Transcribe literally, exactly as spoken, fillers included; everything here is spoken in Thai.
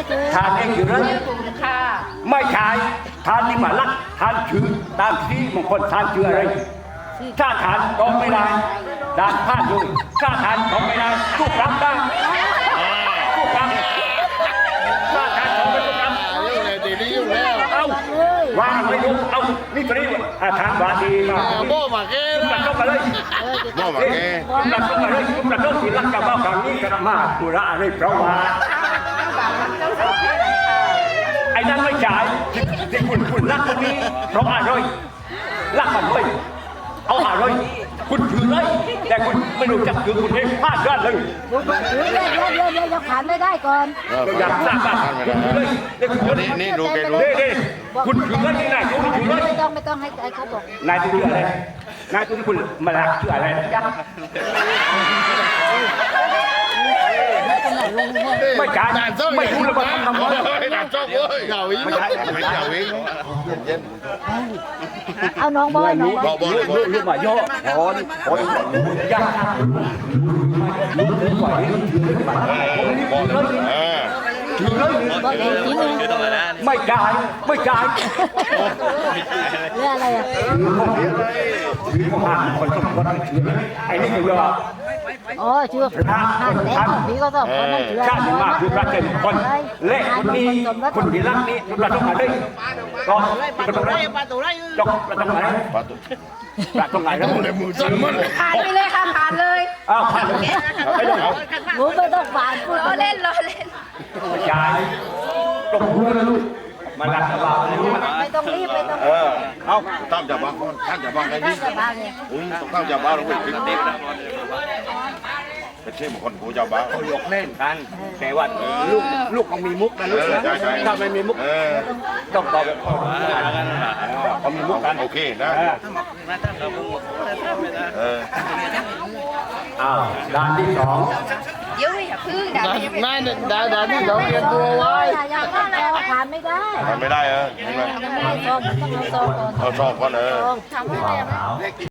ทานเองอยู่เลยไม่ใช่ทานนี่มาลักทานชื่อตามที่บางคนทานชื่ออะไรถ้าทานก็ไม่ได้ด่านพลาดเลยถ้าทานก็ไม่ได้ทุกรับได้ทุกรับถ้าทานก็ไม่ทุกรับเอาวางไม่รู้เอานี่ตัวนี้ทานวาดีมาโบ้มาเก้มาเข้ามาเลยโบ้มาเก้มาเข้ามาเลยมาเข้าที่รักกับบ้าครั้งนี้กระมาตุระอะไรเพราะว่าไอ้นั่นไม่จ่ายที่คุณคุณรักคนนี้เพราะอะไรรักมันเลยเอาอะไรคุณถือเลยแต่คุณไม่รู้จักถือคุณเองพลาดด้านเลยถือเรื่อยเรื่อยเรื่อยเรื่อยผ่านไม่ได้ก่อนอยากทราบว่าคุณถือเลยนี่นี่ดูแกดูนี่คุณถือเลยนี่นายคุณถือเลยไม่ต้องไม่ต้องให้เขาบอกนายถืออะไรนายถือคุณมาลักชื่ออะไรจ๊ะไม่จ่ายไม่รู้เลยว่าทำทำไมด่านโจ๊กเว้ยเหงาอีกไม่ใช่ไม่เหงาอีกเอาน้องบอยน้องบอยลูกลูกลูกมาโยกโอนโอนยากลูกเลยไหวถือเลยมาถือเลยไม่จ่ายไม่จ่ายเรื่องอะไรอ่ะถือของห้าคนสองคนถือไอ้นี่คือว่าอ๋อชื่อพระท่านพี่ก็ต้องคนนั้นชื่อชาติมาคือพระเจ้าคนเละคนนี้คนที่รักนี้เราต้องมาได้ก็ปลาตัวไรปลาตัวไรจกปลาตัวไหนปลาตัวปลาตัวไหนแล้วมือสั่นมันผ่านไปเลยค่ะผ่านเลยอ้าวผ่านเลยไม่ต้องเอาหมูไม่ต้องผ่านพูดล้อเล่นล้อเล่นยายตกหัวเลยลูกมาลักกระบะไม่ต้องรีบไม่ต้องเออเอาตั้งจับบ้างตั้งจับบ้างไงนี่ต้องตั้งจับบ้างแล้วเว้ยติ๊บเป็นชื่อบุคคลกูจับบ้างเขาหยอกเล่นกันแต่ว่าลูกลูกเขามีมุกนะลูกถ้าไม่มีมุกต้องตอบแบบเขามีมุกกันโอเคนะอ้าวด้านที่สองเดี๋ยวอย่าพึ่งด่าไม่ด่าด่าที่เราเตรียมตัวไว้อย่างนั้นเราผ่านไม่ได้ผ่านไม่ได้เออยังไม่ได้ซองต้องเอาซองก่อนเอาซองก่อนเออทำให้ได้